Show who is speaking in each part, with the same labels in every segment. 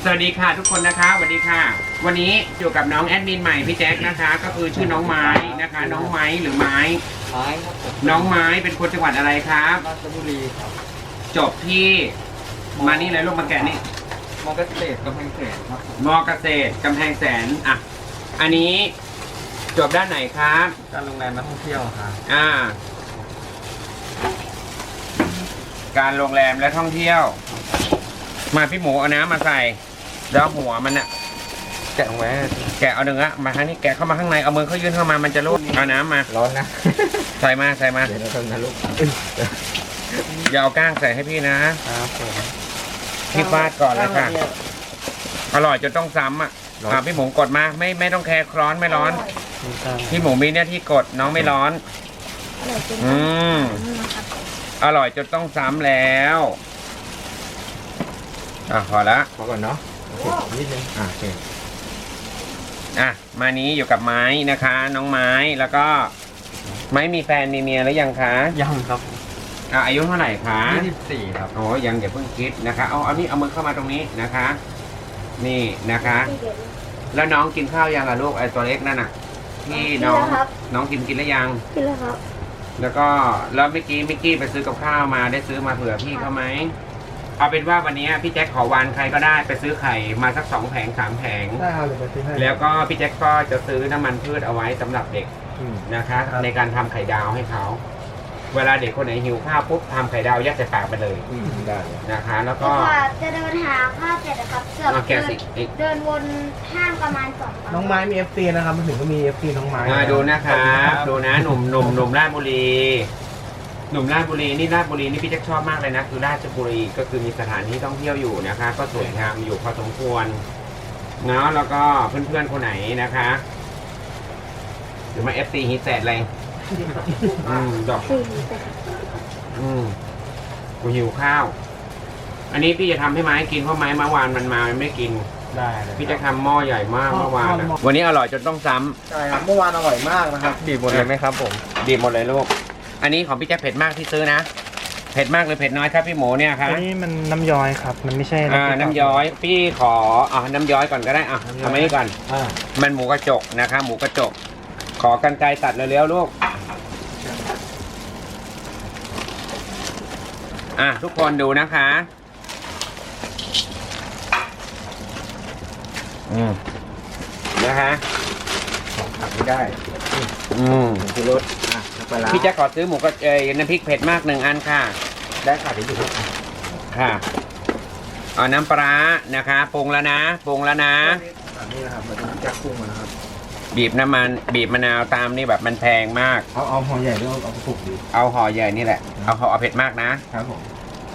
Speaker 1: สวัสดีค่ะทุกคนนะคะสวัสดีค่ะวันนี้อยู่กับน้องแอดมินใหม่พี่แจ็คนะคะก็คือชื่อน้องไม้นะคะน้องไม้หรือไม้
Speaker 2: ครับผม
Speaker 1: น้องไม้เป็นคนจังหวัดอะไรครับ
Speaker 2: ราชบุรีครับ
Speaker 1: จบที่มานี่เลยลูกมาแกะนี่
Speaker 2: มอเกษตรกำแพงแสนครับ
Speaker 1: มอเกษตรกำแพงแสนอ่ะอันนี้จบด้านไหนครับ
Speaker 2: การโรงแรมนักท่องเที่ยวครับ
Speaker 1: การโรงแรมและท่องเที่ยวมาพี่หมูเอาน้ำมาใส่แล้วหัวมันอะ
Speaker 2: แกะไว้
Speaker 1: แกะเอาเนื้อมาทางนี้แกะเข้ามาข้างในเอามือเขายื่นเข้ามามันจะรูดเอาน้ำมา
Speaker 2: ร้อนนะ
Speaker 1: ใส่มา
Speaker 2: เดี๋ยวเราทำนะลูก
Speaker 1: อย่าเอาก้างใส่ให้พี่นะครับ
Speaker 2: ผม
Speaker 1: พี่ฟาดก่อนเลยค่ะอร่อยจนต้องซ้ำอ่ะพี่หมูกดมาไม่ต้องแคร์ร้อนไม่ร้อนพี่หมูมีหน้าที่กดน้องไม่ร้อนอร่อยจนต้องซ้ำแล้วพอละ
Speaker 2: พอก่อนเนาะนิดนึงโอเค
Speaker 1: มานี้อยู่กับไม้นะคะน้องไม้แล้วก็ไม้มีแฟนมีเมียหรือยังคะ
Speaker 2: ยังครับ
Speaker 1: อายุเท่าไหร่คะ
Speaker 2: 24ครับ
Speaker 1: โอ้ยังอย่าเพิ่งคิดนะคะเอานี่เอามือเข้ามาตรงนี้นะคะ นี่นะคะแล้วน้องกินข้าวยังล่ะลูกไอ้ตัวเล็กนั่นน่ะที่น้องกินแล้วยัง
Speaker 3: กินแล้วครับ
Speaker 1: แล้วก็แล้วเมื่อกี้ไปซื้อกับข้าวมาได้ซื้อมาเผื่อพี่เขาไหมเอาเป็นว่าวันนี้พี่แจ็คขอวานใครก็ได้ไปซื้อไข่มาสัก2 แผง 3 แผง
Speaker 2: ได้ครับเดี๋ยวไปซื้อให้
Speaker 1: แล้วก็พี่แจ็คก็จะซื้อน้ำมันพืชเอาไว้สำหรับเด็กนะคะในการทำไข่ดาวให้เขาเวลาเด็กคนไหนหิวข้าวปุ๊บทำไข่ดาวยัดใส่ปากไปเลย
Speaker 2: ได้
Speaker 1: นะคะแล้วก็
Speaker 3: จะเดินหาข้าวเสร็จนะครับเกือบเดินวนห้างประมาณ2
Speaker 2: น้องไม้มี FC นะครับมาถึงก็มี FC น้องไม้
Speaker 1: ดูนะครับดูนะหนุ่มราชบุรีหนุ่มราชบุรีนี่ราชบุรีนี่พี่แจ็คชอบมากเลยนะคือราชบุรีก็คือมีสถานที่ท่องเที่ยวอยู่นะคะก็สวยงามอยู่พอสมควรเนาะแล้วก็เพื่อนๆคนไหนนะคะหรือมา FC ฮิตแซดอะไรดอกกูหิวข้าวอันนี้พี่จะทำให้ไม้กินเพราะไม้เมื่อวานมันมาไม่กิน
Speaker 2: ได้
Speaker 1: พี่จะทำหม้อใหญ่มากเมื่อวานวันนี้อร่อยจนต้องซ้
Speaker 2: ำใช่ครับเมื่อวานอร่อยมากนะครับดีหมดเลยไหมครับผม
Speaker 1: ดีหมดเลยลูกอันนี้ของพี่แจ๊คเผ็ดมากที่ซื้อนะเผ็ดมากหรือเผ็ดน้อยครับพี่หมูเนี่ยครับ
Speaker 2: อันนี้มันน้ำย้อยครับมันไม่ใช่
Speaker 1: น้ำย้อยพี่ขอน้ำย้อยก่อนก็ได้ทำไมนี่ก่อนมันหมูกระจกนะคะหมูกระจกขอกรรไกรตัดเร็วๆลูกทุกคนดูนะคะนะคะ
Speaker 2: ผักไม่ได้คือรส
Speaker 1: พี่จะขอซื้อหมูกระน้ำพริกเผ็ดมาก1 อันค่ะ
Speaker 2: ได้ค่ะเดี๋ยวดู
Speaker 1: ค่ะเอาน้ำปลานะคะปรุงแล้วนะ
Speaker 2: นี่นะครับมันจะปรุงนะครับ
Speaker 1: บีบน้ำมันบีบมะนาวตามนี่แบบมันแพงมาก
Speaker 2: เอาห่อใหญ่หรือเอาปุกดี
Speaker 1: เอาห่อใหญ่นี่แหละเอาเผ็ดมากนะครับ
Speaker 2: ผม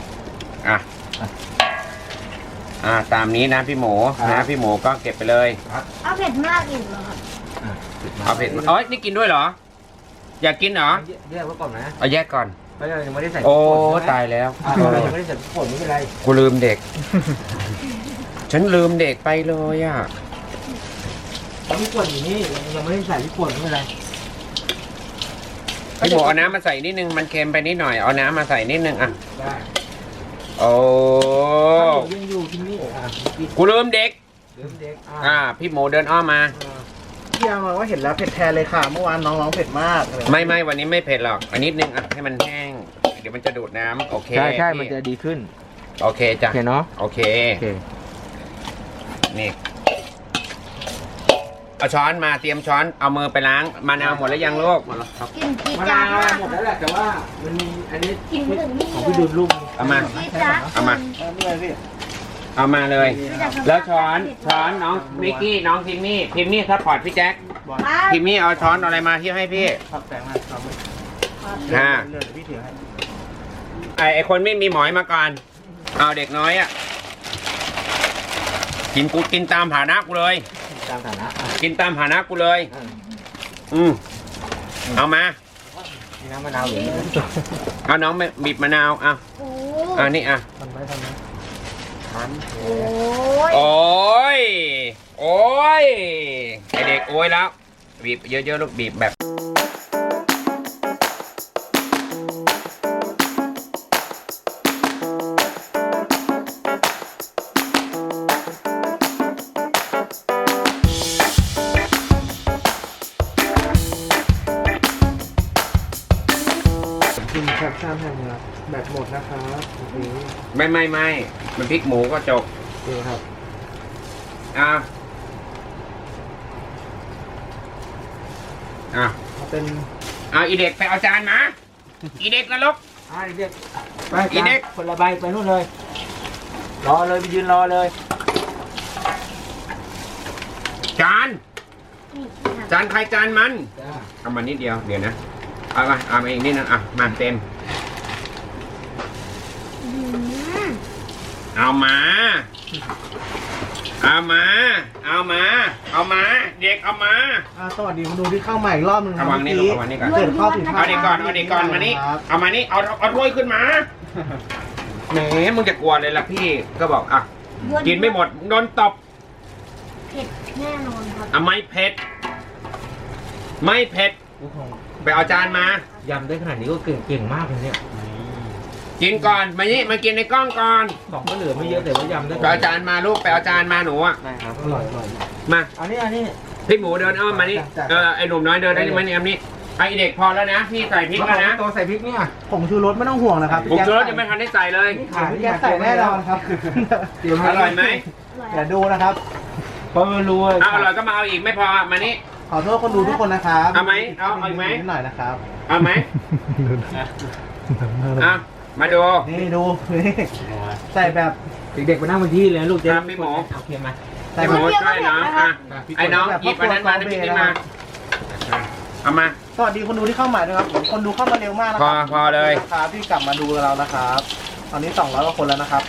Speaker 1: ตามนี้นะพี่หมูนะพี่หมูก็เก็บไปเลย
Speaker 3: เอาเผ็ดมากอีกเหรอครับ
Speaker 1: เอาเผ็ดนี่กินด้วยเหรออยากกินเหรอ
Speaker 2: แยกไว้ก่อนนะ
Speaker 1: เอาแยกก่อน
Speaker 2: ยังไม่ได้ใส่
Speaker 1: โอ้ตายแล้ว
Speaker 2: ยังไม่ได้ใส่พริกป่นไม่เป็นไร
Speaker 1: กูลืมเด็กฉันลืมเด็กไปเลย
Speaker 2: พริกป่นอยู่นี่ยังไม่ได้ใส่พริกป่นไม่เป็นไร
Speaker 1: พี่หมูเอาน้ำมาใส่นิดนึงมันเค็มไปนิดหน่อยเอาน้ำมาใส่นิดนึง
Speaker 2: ได้
Speaker 1: โอ้
Speaker 2: ยังอยู่ที่นี่
Speaker 1: กูลืมเด็กพี่หมูเดินอ้อมมา
Speaker 2: พี่เอามาว่าเห็นแล้วเผ็ดแทนเลยค่ะเมื่อวานน้องเผ็ดมาก
Speaker 1: ไม่วันนี้ไม่เผ็ดหรอกอันนิดนึงให้มันแห้งเดี๋ยวมันจะดูดน้ำโอเค
Speaker 2: ใช่มันจะดีขึ้น
Speaker 1: โอเคจ้ะ
Speaker 2: โอเคเนาะ
Speaker 1: โอเคนี่เอาช้อนมาเตรียมช้อนเอามือไปล้างมะนาวหมดแล้วยังลูก
Speaker 2: หมดแล้วครับมะนาวหมดแล้วแหละแต่ว่ามันมีอันนี้ของพี่ดูดลูก
Speaker 1: เอามาเอามาเลยแล้วช้อนน้องมิกกี้น้องพิมมี่ซัพพอร์ตพี่แจ็คพิมมี่เอาช้อนอะไรมาที่ให้พี่ไอคนไม่มีหมอยมาก่อนเอาเด็กน้อยกินตามฐานะกูเลยกินตามฐานะกูเลยเอามา
Speaker 2: น้ำมะนาวหรือ
Speaker 1: เอาน้องบีบมะนาวนี่โอ้ยไอเด็กโอ้ยแล้วบีบเยอะๆลูกบีบแบบ
Speaker 2: ามแผ่นครับแบตหมดนะครับโอเค
Speaker 1: ไม่มันพริกหมูก็จบ
Speaker 2: โอเคครับ
Speaker 1: อ่ะ
Speaker 2: เอาเป็น
Speaker 1: เอาอีเด็กไปเอาจานมา อีเด็กนรก
Speaker 2: เรียกไป
Speaker 1: อีเด็ก
Speaker 2: คนละใบไปนู่นเลย รอเลยไปยืนรอเลย
Speaker 1: จาน
Speaker 3: นี่ครับ
Speaker 1: จานใครจานมัน
Speaker 2: จ้า
Speaker 1: เอามานิดเดียวเดี๋ยวนะเอามาอีกนิดนึงอ่ะมาเต็ม
Speaker 3: อืม
Speaker 1: เอามา เด็กเอามา
Speaker 2: สวัสดีคุณดูที่เข้ามาอีกรอบนึงครั
Speaker 1: เอาวางนี่
Speaker 2: เมื่อ
Speaker 1: เอาวางนี่ก่อน
Speaker 2: เกิดข้อผิดพลาด
Speaker 1: เอาเด็กก่อนมานี่
Speaker 2: ครับ
Speaker 1: เอามานี่เอาถ้วยขึ้นมาแหมมึงจะกลัวเลยล่ะพี่ก็บอกอ่ะกินไม่หมดโดนตบ
Speaker 3: เผ็ดแน่นอนครับ
Speaker 1: อ่ะไม่เผ็ดไปเอาจานมาย
Speaker 2: ำได้ขนาดนี้ก็เก่งมากเลยเนี่ย
Speaker 1: กินก่อนมากินในกล้องก่อน
Speaker 2: ของก็เหลือไม่เยอะแต่ว่ายำได้
Speaker 1: ไปเอาจานมาลูกไปเอาจานมาหนูอ่ะ
Speaker 2: ได้ครับอร่อย
Speaker 1: มา
Speaker 2: อันนี้
Speaker 1: พี่หมูเดินอ้อมมานี่
Speaker 2: จ้ะ
Speaker 1: ไอหนุ่มน้อยเดินได้มานี่นี่ไอเด็กพอแล้วนะพี่ใส่พริกแล้วนะ
Speaker 2: ตัวใส่พริกเนี่ยผงชูรสไม่ต้องห่วงนะครับ
Speaker 1: ผมชูรสยังไม่ทันได้ใส่เลย
Speaker 2: พี่แกใส่แน่นอนครับ
Speaker 1: อร่อยไหม
Speaker 2: เดี๋ยวดูนะครับเพราะไม่รู้
Speaker 1: เอาอร่อยก็มาเอาอีกไม่พอมานี่
Speaker 2: ขอโทษคนดูทุกคนนะครับ
Speaker 1: เอาไหมเอาอีกไหม
Speaker 2: นิดหน่อยนะครับ
Speaker 1: เอาไหมอ่ะมาดู
Speaker 2: นี่ดูนี่ใส่แบบเด็กๆไปนั่งบนที่เลยลูก
Speaker 1: ครับพี่หมู
Speaker 2: โอเคไหม
Speaker 1: พี่หมูช่วยน้องอ่ะไอ้น้องหยิบอันนั้นมาน้ำพริกนี่มาเอามา
Speaker 2: สวัสดีคนดูที่เข้ามาด้วยครับคนดูเข้ามาเร็วมากนะครั
Speaker 1: พอเลย
Speaker 2: ครับที่กลับมาดูเรานะครับ ตอนนี้200กว่าคนแล้วนะครับ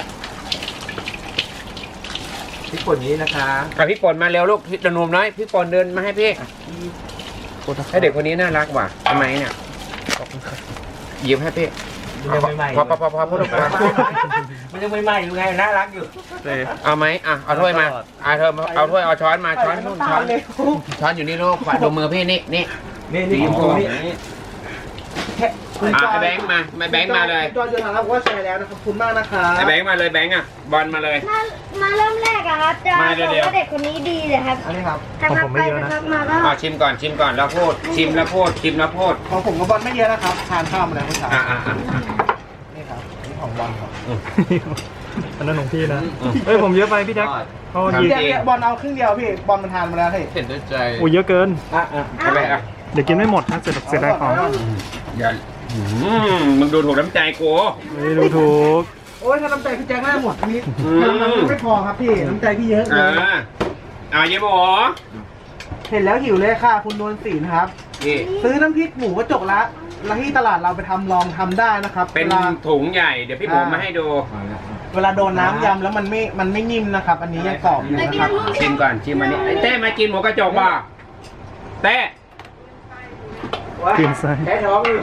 Speaker 2: พี่ป่นนี้นะคะ
Speaker 1: กับพี่ปนมาเร็วลูกพี่หนุ่มน้อยพี่ปนเดินมาให้พี่ให้เด็กคนนี้น่ารักว่ะทำไมเนี่ยหยิบให้พี่
Speaker 2: มันยังใหม่ๆ
Speaker 1: พอพูดออกมา
Speaker 2: มันยังใหม่ๆอยู่ไงน่ารักอยู่
Speaker 1: เอาไหมอ่ะเอาถ้วยมาเอาถ้วยเอาช้อนมาช้อนนู่นช้อนช้อนอยู่นี่ลูกขวาดูมือพี่นี่
Speaker 2: นี่
Speaker 1: สีชมพู
Speaker 2: นี่คุณจอย
Speaker 1: ไอ้แบงค์มาแบงค์มาเลย
Speaker 2: คุณจอยจะถามว่าแชร์แล้วนะครับขอบคุณมากนะครับ
Speaker 1: ไอ้แบงค์มาเลยแบงค์อ่ะบอลมาเลย
Speaker 3: มาเริ่มแรกอะครับจะ
Speaker 1: มา
Speaker 3: บ
Speaker 1: เดี๋
Speaker 3: อ
Speaker 1: ยว
Speaker 3: กว่าเด็กคนนี้ดีเลยครับ
Speaker 2: อันนี้ครับ
Speaker 3: แต่พักไปพักมาก็
Speaker 1: อ่ะชิมก่อนแล้วพูดชิมแล้วพูด
Speaker 2: ของผมกับบอลไม่เยอะนะครับทานข้าวมาแล้วเมื่อเช้า
Speaker 1: อ่ะ
Speaker 2: นี่ครับนี่ของบอลครับ
Speaker 4: อันนั้นของพี่นะ เฮ้ยผมเยอะไปพี่แจ็คเขาหยิบ
Speaker 2: เนี่ยบอลเอาครึ่งเดียวพี่บอลมันทานมาแล้วเฮ้ย
Speaker 1: เห็นด้วยใจ
Speaker 4: โอ้เยอะเกิน
Speaker 1: เอาไปอ่ะ
Speaker 4: เดี๋ยวกินไม่หมดนะเสียดายของ
Speaker 1: อย่ามึงดูถูกน้ำใจกู
Speaker 4: ไม่ดูถูก
Speaker 2: โอ้ยถ้าน้ำใจพี่แจ็คได้หมดพี่ไม่พอครับพี่น้ำใจพี่เยอะเลย
Speaker 1: เอาเยี่ยมหมอ
Speaker 2: เห็นแล้วหิวเลยค่ะ คุณนวลศรีนะครับ
Speaker 1: นี่
Speaker 2: ซื้อน้ำพริกหมูกระจกละแล้วที่ตลาดเราไปลองทำได้นะครับ
Speaker 1: เป็น
Speaker 2: วลา
Speaker 1: ถุงใหญ่เดี๋ยวพี่หมูมาให้ดู
Speaker 2: เวลาโดนน้ำยำแล้วมันไม่นิ่มนะครับ อันนี้ยังกรอบอยู่นะครับ
Speaker 1: ชิมก่อนชิมอันนี้ไอ้เต้มากินหมูกระจกป่ะเต้
Speaker 4: กินไส้
Speaker 2: แค่ท้องอยู่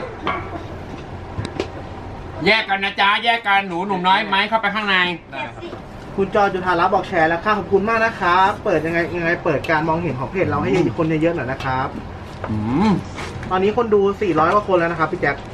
Speaker 1: แยกกันนะจ๊ะแยกกันหนุ่มน้อยไหมเข้าไปข้างใน
Speaker 2: คุณจอจุธารัตน์บอกแชร์แล้วค่ะขอบคุณมากนะครับเปิดยังไงเปิดการมองเห็นของเพจเราให้คนเยอะๆหน่อยนะครับ ตอนนี้คนดู400กว่าคนแล้วนะครับพี่แจ็ค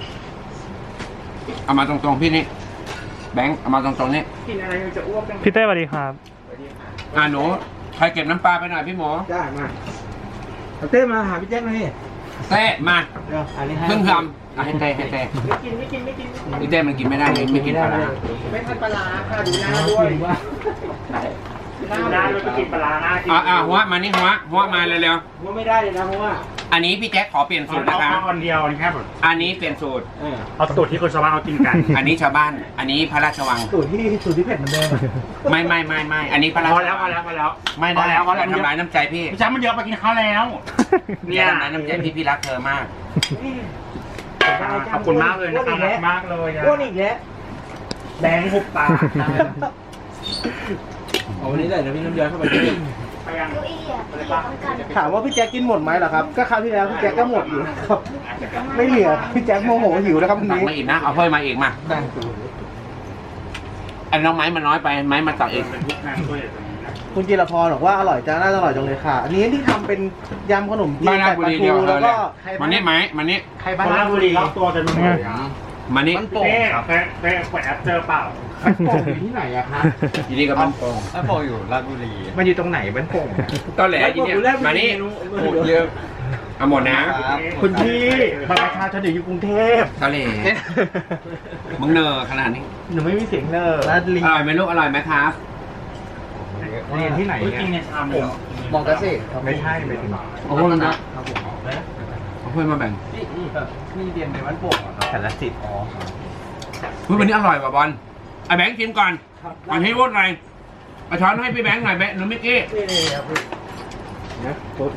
Speaker 1: เอามาตรงๆพี่นี่แบงค์เอามาตรงๆนี่
Speaker 2: กินอะไรจะอ้วกจัง
Speaker 4: พี่เต้สวัสดีครับ
Speaker 1: หนูใครเก็บน้ำปลาไปหน่อยพี่หมู
Speaker 2: ได้มาเอาเต้มาหาพี่แจ็คหน่อย
Speaker 1: เต้มา
Speaker 2: เดี๋ยวอันนี้ให้
Speaker 1: เพิ่งทำให้เต้ให้เต้
Speaker 2: ไม่กิน
Speaker 1: พี่เต้มันกินไม่ได้เลยไม่กินปลาร้า
Speaker 2: ไม่ทันปลาค่ะดูหน้าด้วยหน้าด้วยกินปลาหน้ากิน
Speaker 1: หัวมานี่หัวมาเร็ว
Speaker 2: ว่าไม่ได้เลยนะเพราะว่า
Speaker 1: ๆอันนี้พี่แจ็คขอเปลี่ยนสูตรนะคะ
Speaker 4: เอาคนเดียวนะครับ
Speaker 1: อันนี้เปลี่ยนสูตร
Speaker 4: เอาสูตรที่คนชาวบ้านเขากินกัน
Speaker 1: อันนี้ชาวบ้าน อันนี้พระราชวัง
Speaker 2: สูตรที่เผ็ดเหมือนเดิม
Speaker 1: ไม่อันนี้พระราช
Speaker 4: พอ
Speaker 1: วัง
Speaker 4: แล้ว
Speaker 1: ไม่ได้
Speaker 4: พอแล้ว
Speaker 1: ทำร้ายน้ำใจพี่
Speaker 4: พี่แจ็คมันเยอะไปกินข้าวแล้ว
Speaker 1: เนี่ยทำร้ายน้ำใจพี่รักเธอมาก
Speaker 4: ขอบคุณมากเลยนะครับรักมากเลย
Speaker 2: อ้วนอีกแล้วแดงหุบปากเอาวันนี้เลยเดี๋ยวพี่น้ำย้อยเข้าไปด้วย
Speaker 4: ไปยัง
Speaker 3: เก้าอี้อะที่ต้องการ
Speaker 2: ถามว่าพี่แจ็คกินหมดไหมเหรอครับ ก็คราวที่แล้วพี่แจ็คก็หมดอยู่ครับไม่เหลือพี่แจ็คโมโหหิวนะครับวัน
Speaker 1: ตัก
Speaker 2: นี้
Speaker 1: มาอีกนะเอาถ้วยมาอีกมาอันน้องไม้มันน้อยไปไม้มาตักอีก
Speaker 4: เป็นทุกงานด้วยตรงนี้นะ
Speaker 2: คุณจิรพรบอกว่าอร่อยจ้าน่าอร่อยจังเลยค่ะ อันนี้ที่ทำเป็นยำขนมจี
Speaker 1: บ้าน
Speaker 2: น
Speaker 1: ราช
Speaker 2: ใส่
Speaker 1: บุ
Speaker 2: ปลา
Speaker 1: รี
Speaker 2: ทู
Speaker 1: เดียว
Speaker 2: แล้วก็
Speaker 1: มันนี่ไหมมันนี่
Speaker 2: ไข่
Speaker 4: ค
Speaker 2: บ้าน
Speaker 4: น
Speaker 2: รา
Speaker 4: รา
Speaker 2: ช
Speaker 4: ช
Speaker 2: บุ
Speaker 4: บุ
Speaker 2: รี
Speaker 4: รีรอบตัวกันหมดเลย
Speaker 1: มันนี่
Speaker 2: มันโป่ง
Speaker 4: เต้
Speaker 2: ครับ
Speaker 4: ไปแอบเจอเปล่า
Speaker 2: มันโป่งอยู่ที่ไหนอะครับ
Speaker 1: ทีนี้ก็มันโป่ง
Speaker 5: แล้วโปอยู่ราชบุรี
Speaker 2: มันอยู่ตรงไหนมันโป่ง
Speaker 1: ตอนแหลทีนี้มานี่
Speaker 5: พูดเยอะ
Speaker 1: เอาหมดนะ
Speaker 2: คุณพี่บัตรประชาชนอยู่กรุงเทพ
Speaker 1: ทะเลมึงเนอขนาดนี้
Speaker 2: หนูไม่มีเสียงเนอร์แล้วลิง
Speaker 1: อร่อยไหมลูกอร่อยไหมครับ
Speaker 4: เรียนที่ไหนเนี่ย
Speaker 5: จริงในชามเลยเหรอ
Speaker 2: มองกระสิ
Speaker 4: ไม่ใช่ไม่ถึง
Speaker 1: เอาเพื่อนมาเอาเพื่อนมาแบ่ง
Speaker 5: นี่เรียนในวัดโป่งเหรอครับ
Speaker 2: แต่ละสิทธิ์
Speaker 1: เฮ้ยวันนี้อร่อยว่ะบอลไอ้แบงค์ชิมก่อนก่อนที่พูดอะไรเอาช้อนให้พี่แบงค์หน่อยแบงค์หนูมิกกี้
Speaker 2: นี่ครับพี่นะปุ๊บ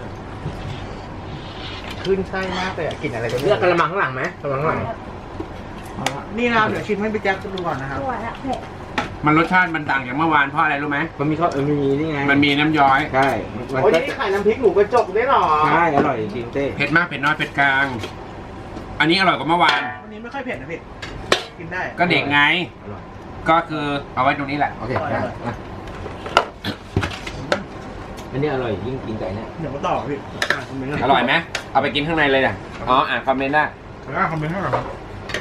Speaker 2: ขึ้นไส้มากเลยกลิ่นอะไรกัน
Speaker 5: เลือกกระมังข้างหลังไหมกระมังข้างหลัง
Speaker 2: นี่นะครับเดี๋ยวชิมให้พี่แจ็คดูก่อนนะครับ
Speaker 3: สวยอะเผ็ด
Speaker 1: มันรสชาติมันต่างจากเมื่อวานเพราะอะไรรู้ไหม
Speaker 5: มันมีข้อมีนี่ไง
Speaker 1: มันมีน้ำย้อย
Speaker 5: ใช่มัน
Speaker 2: โอ้ย
Speaker 5: ก็
Speaker 2: นี่ไข่น้ำพริกหมูกระจกได้หรอ
Speaker 5: ใช่อร่อยจริงเต้
Speaker 1: เผ็ดมากเผ็ดน้อยเผ็ดกลาง อันนี้อร่อยกว่าเมื่อวาน
Speaker 2: วันนี้ไม่ค่อยเผ็ดนะพี่กินได้
Speaker 1: ก็เด็กไง
Speaker 5: อร่อย
Speaker 1: ก็คือเอาไว้ตรงนี้แหละ
Speaker 5: โอเคได้อ่ะอันนี้อร่อยยิ่งกินไก่เนี่ย
Speaker 2: เดี๋ยวมาต่อพี่คอมเมนต์
Speaker 1: อร่อยไหมเอาไปกินข้างในเลยนะอ๋ออ่านคอมเมนต์ได้
Speaker 2: คอมเมนต์ให้หน่อยครับ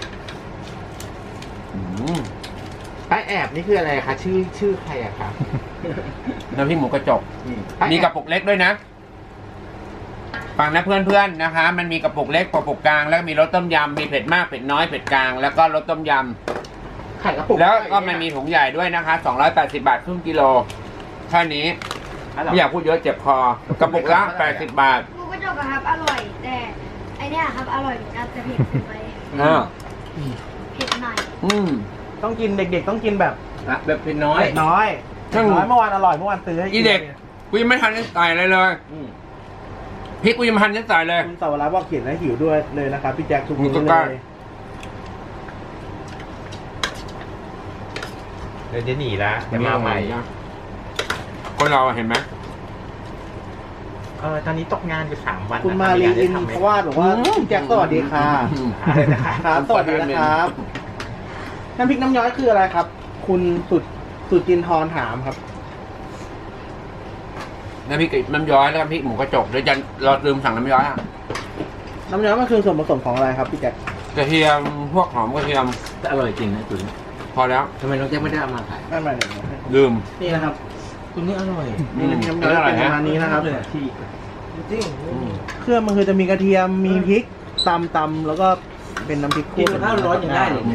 Speaker 1: อืม
Speaker 5: ป้าแอบนี่คืออะไรคะชื่อใครอะครับ
Speaker 1: น้ำพริกหมูกระจก มีกระปุกเล็กด้วยนะ ฟังนะเพื่อนๆนะคะ มันมีกระปุกเล็กกระปุกกลางแล้วก็มีรสต้มยำมีเผ็ดมากเผ็ดน้อยเผ็ดกลางแล้วก็รสต้มย
Speaker 5: ไข่กระปุก
Speaker 1: ำแล้วก็มันมีถุงใหญ่ด้วยนะคะ280 บาทครึ่งกิโลแค่นี้ไม่อยากพูดเยอะเจ็บคอกระปุกละ80 บาท
Speaker 3: หมูกระจกอะครับอร่อยแต่ไอเนี้ยครับอร่อยเหมือนกันแต่เผ็ดเกินไป
Speaker 1: อ่า
Speaker 3: เผ็ดหน่อย
Speaker 1: อืม
Speaker 2: ต้องกินเด็กๆต้องกินแบบ
Speaker 5: แบบเป็นน้อย
Speaker 2: เผ็ดน้อย
Speaker 1: ซึ่ง
Speaker 2: น้อยเมื่อวานอร่อยเมื่อวานซื้อให้กิน
Speaker 1: อีเด็กกูยังไม่ทันได้ใส่อะไรเลยพริกกูยังไม่ทันได้ใส่เลย
Speaker 2: คุณสาวรักษ์บอกเขียนให้หิวด้วยเลยนะครับพี่แจ็คทุก
Speaker 1: มึ
Speaker 2: มื้
Speaker 1: งก็
Speaker 2: อก
Speaker 1: ล้า
Speaker 2: เลย
Speaker 5: เดี๋ยวจะหนีละจะมาใหม่
Speaker 1: คนเราเห็นไหม
Speaker 5: ตอนนี้ตกงานอยู่3 วัน
Speaker 2: คุณมารีอินเพราะว่าบอกว่าพี่แจ็คสวัสดีค่ะครับสวัสดีนะครับน้ำพริกน้ำย้อยคืออะไรครับ คุณสุจินทร์ถามครับ
Speaker 1: น้ำพริกน้ำย้อยแล้วก็พริกหมูกระจกเดี๋ยวจะเราลืมสั่งน้ำย้อยอ่ะ
Speaker 2: น้ำย้อยมันคือส่วนผสมของอะไรครับพี่แจ็ค
Speaker 1: กระเทียมพวกหอมกระเทียม
Speaker 5: แต่อร่อยจริงนะตุ๋น
Speaker 1: พอแล้ว
Speaker 5: ทำไมน้องแจ๊คไม่ได้เอามาขาย
Speaker 2: ไม่ไม่ไม่
Speaker 1: ลืม
Speaker 2: นี่นะครับ
Speaker 5: ตุ๋นนี่อร่อย
Speaker 2: นี่น้ำย้อยเป็นประมาณนี้นะครับ
Speaker 5: ที่จริง
Speaker 2: เครื่องมันคือจะมีกระเทียมมีพริกตำแล้วก็เป็นน้ำพริกคั่ว
Speaker 5: กินกับข้าวร้อนยังได้เลย
Speaker 2: โอเค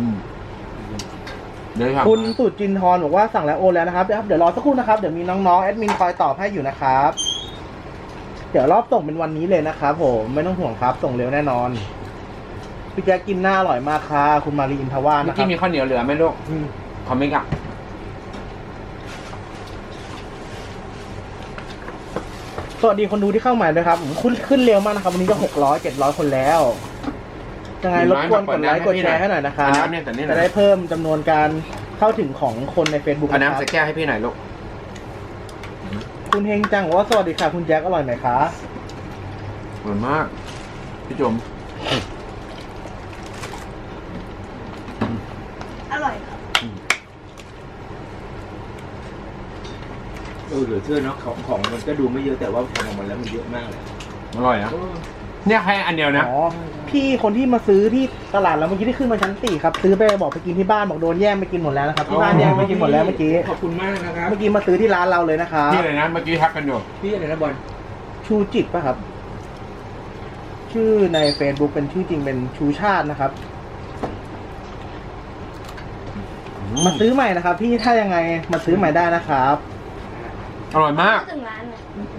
Speaker 1: เดี๋ยว
Speaker 2: คุณสุจินทร์บอกว่าสั่งแล้วโอนแล้วนะครับเดี๋ยวรอสักครู่นะครับเดี๋ยวมีน้องๆแอดมินคอยตอบให้อยู่นะครับ เดี๋ยวรอบส่งเป็นวันนี้เลยนะครับผมไม่ต้องห่วงครับส่งเร็วแน่นอนพี่แจ๊คกินหน้าอร่อยมากค่ะคุณมารีอินทวา
Speaker 1: เมื่
Speaker 2: นะ
Speaker 1: อ
Speaker 2: ครั
Speaker 1: กี้
Speaker 2: บ
Speaker 1: มีข้าวเหนียวเหลือไหมลูกคอมเมนต์อ่ะ
Speaker 2: สวัสดีคนดูที่เข้าใหม่ด้วยครับผมขึ้นเร็วมากนะครับวันนี้จะ600-700 คนแล้วยังไงรบกวนกดไลค์กดแชร์ให้หน่อยนะครับ
Speaker 1: น้ำเนี่ยแต่นี่
Speaker 2: จะได้เพิ่มจำนวนการเข้าถึงของคนใน Facebook
Speaker 1: เอา
Speaker 2: นะค
Speaker 1: น้ำ
Speaker 2: รับ
Speaker 1: ใส่แก้วให้พี่หน่อยลูก
Speaker 2: คุณเฮงจังบอกว่าสวัสดีค่ะคุณแจ็คอร่อยไหมคะ
Speaker 1: อร่อยมากพี่จุ๋ม
Speaker 3: อร่อยครับ
Speaker 5: เหลือเชื่อเนาะของมันก็ดูไม่เยอะแต่ว่าทำออกมาแล้วมันเยอะมากเลย
Speaker 1: อร่อยนะเนี่ยแค่อันเดียวนะ
Speaker 2: อ๋อพี่คนที่มาซื้อที่ตลาดแล้วเมื่อกี้ที่ขึ้นมาชั้น4ครับซื้อไปบอกไปกินที่บ้านบอกโดนแย่งไปกินหมดแล้วนะครับที่บ้านแย่งไปกินหมดแล้วเมื่อกี้
Speaker 5: ขอบคุณมากนะครับ
Speaker 2: เมื่อกี้มาซื้อที่ร้านเราเลยนะครับ
Speaker 1: พี่อะไรนะเมื่อกี้ทักกันอยู่
Speaker 5: พี่อะไรนะบอล
Speaker 2: ชูจิตป่ะครับ ชื่อใน Facebook เป็นชื่อจริงเป็นชูชาตินะครับ มาซื้อใหม่นะครับพี่ถ้ายังไงมาซื้อใหม่ได้นะครับ
Speaker 1: อร่อยมาก
Speaker 3: ถึงร้านเลย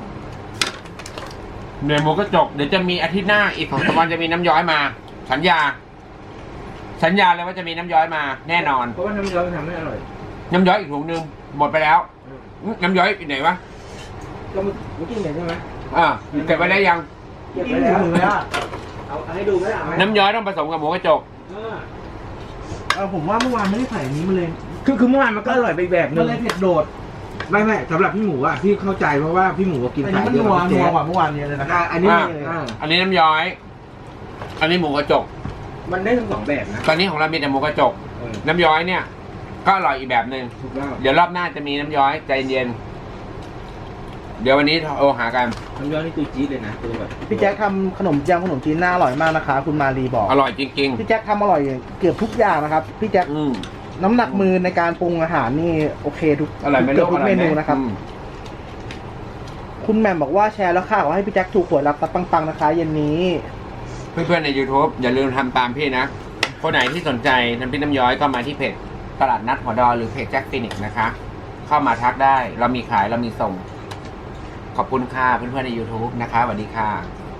Speaker 1: เนื้อหมูกระจกเดี๋ยวจะมีอาทิตย์หน้าอีก2 วันจะมีน้ำย้อยมา สัญญาเลยว่าจะมีน้ำย้อยมา แน่นอน
Speaker 5: เพราะว่าน้ำย้อยมันทำให้อร่อย
Speaker 1: น้ำย้อยอีกถุงนึงหมดไปแล้วน้ำย้อยอีกไหนวะ
Speaker 5: ก็เมื่อกี้เห็นใช่ไหม
Speaker 1: เก็บไว้ได้ยัง
Speaker 5: เก็บไว้แล้วเอาให้ดูไหมล่ะ
Speaker 1: น้ำย้อยต้องผสมกับหมูกระจก
Speaker 2: ผมว่าเมื่อวานไม่ได้ใส่อันนี้มาเลย
Speaker 5: คือเมื่อวานมันก็อร่อยไปแบบนึ
Speaker 2: มัน
Speaker 5: ง
Speaker 2: เลยเผ็ดโดด
Speaker 5: ไม่สำหรับพี่หมูอ่ะพี่เข้าใจเพราะว่าพี่หมูก็กิน
Speaker 2: อัน
Speaker 5: ขา
Speaker 2: นี้
Speaker 5: ย
Speaker 2: มัน
Speaker 5: เยอะ
Speaker 2: นัว
Speaker 5: กว่าพี่
Speaker 2: นัว
Speaker 5: แจ๊
Speaker 2: กว่าเมื่อวานเยอะเลยนะครับ
Speaker 5: อันนี้
Speaker 1: อันนี้น้ำย้อย อันนี้หมูกระจก
Speaker 5: มันได้ทั้งสองแบบนะ
Speaker 1: ตอนนี้ของเรามีแต่หมูกระจก น้ำย้อยเนี่ย ก็อร่อยอีกแบบหนึ่ง
Speaker 5: ถูกแล้ว
Speaker 1: เดี๋ยวรอบหน้าจะมีน้ำย้อยใจเย็นเดี๋ยววันนี้โทรหากัน
Speaker 5: น้ำย้อยนี่ตัวจี๊ดเลยนะตัวแบบ
Speaker 2: พี่แจ็คทำขนมจีนหน้าอร่อยมากนะคะคุณมารีบอก
Speaker 1: อร่อยจริง
Speaker 2: พี่แจ็คทำอร่อยเกือบทุกอย่างนะครับพี่แจ็ค
Speaker 1: ๆ
Speaker 2: น้ำหนักมือในการปรุงอาหารนี่โอเคทุก
Speaker 1: อร่อยไหม
Speaker 2: เกื
Speaker 1: ลู
Speaker 2: อบ
Speaker 1: ก
Speaker 2: ทุกเมนูนะครับคุณแหม่มบอกว่าแชร์แล้วค่ะขอให้พี่แจ็คถูกหวยรับตับปังๆนะคะเย็นนี้
Speaker 1: เพื่อนๆใน YouTube อย่าลืมทำตามพี่นะ คนไหนที่สนใจน้ำพริกน้ำย้อยก็มาที่เพจตลาดนัดหัวดอหรือเพจแจ็คฟินิกนะคะ เข้ามาทักได้เรามีขายเรามีส่ง ขอบคุณค่ะเพื่อนๆใน YouTube นะคะสวัสดีค่ะ